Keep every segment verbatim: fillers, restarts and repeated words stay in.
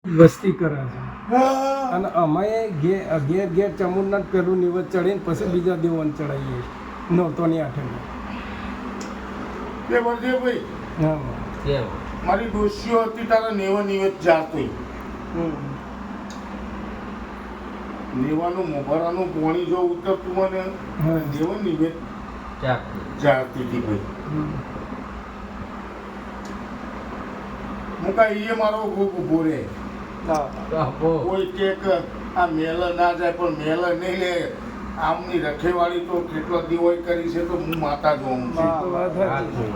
વસ્તી કરે છે અને અમે ઘેર ઘેર ઘેર ચમુરના પેલું નિવેદ ચડીને પછી બીજા દેવોને ચડાવીએ નવતોની આઠમે. તે વરદેવભાઈ હા કેમ મારી ડોશીઓ હતી તારા નેવા નિવેદ જાતી નેવાનું મોભરાનું પોણી જો ઉતરતું મને હા. નેવા નિવેદ ચાક જાતી હતી ભાઈ. હમ. હું કાંઈ એ મારો ખૂબ ઊભો રહે. બાપો કોઈ કે કે આ મેલ ના જાય પણ મેલ નહીં લે આમની રખેવાળી તો કેટલો દિવસ કરી છે તો હું માતા જોઉં છું. તો વાત સાચી. હાચું.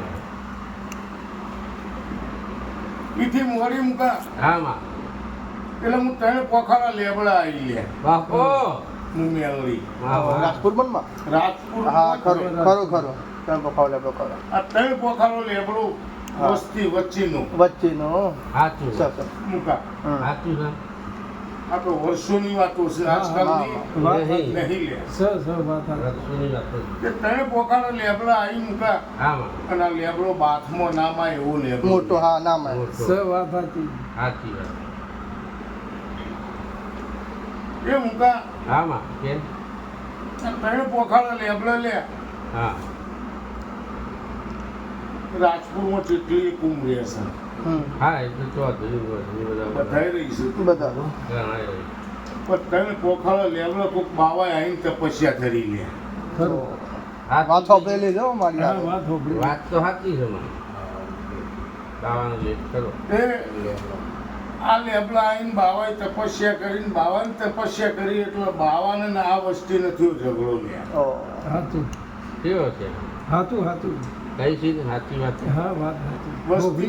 ઈથી મોડી મૂકા હા માં એટલે હું ત્રણ પોખારા લેબડા આવી લે બાપો હું મેલડી વાહ વાહ રાજપુર મનમાં રાજપુર હા ખરું ખરું ખરું ત્રણ પકાવ લેબડો ખરો આ ત્રણ પોખારો લેબડું હા. વસ્તી વચ્ચેનું વચ્ચેનો હાચું સર સર મૂકા. હાચું છે આ તો વર્ષોની વાતો છે હા, આજકાલની વાત નહીં. નહીં લે સ સ વાત સાચી. રસોની વાતો છે. તે ત્રણ પોખારા લેબડા આવી મૂકા હા માં અને આ લેબડો બાથમાં નામાં એવો લેબડો મોટો હા નામ આવે મોટો. સ વાત સાચી. હાચી વાત એ મૂકા હા માં કેમ આ ત્રણ પોખારા લેબડા લે હા રાજપુરમાં કેટલી કુંભ રહે છે હમ હા એ તો ચૌધરી વર્ષ એ બધા બધાય રહી છે બધા ઘણા એ. પણ તમે પોખાળા લેવડો કોઈક બાવાય આવીને તપસ્યા કરી લે ખરું. હાચું વાત સાંભળેલી છે હો મારી હા આ. વાત હોભળી. વાત તો સાચી છે માં દાવાનો લેટ કરો તે આ લેબડા આવીને બાવાએ તપસ્યા કરીને બાવાને તપસ્યા કરી એટલે બાવાને ને આ વસ્તી નથી ઝઘડો લે ઓ સાચું કેવો છે સાચું સાચું. કઈ છે સાચી વાત છે હા વાત સાચી. વસ્તી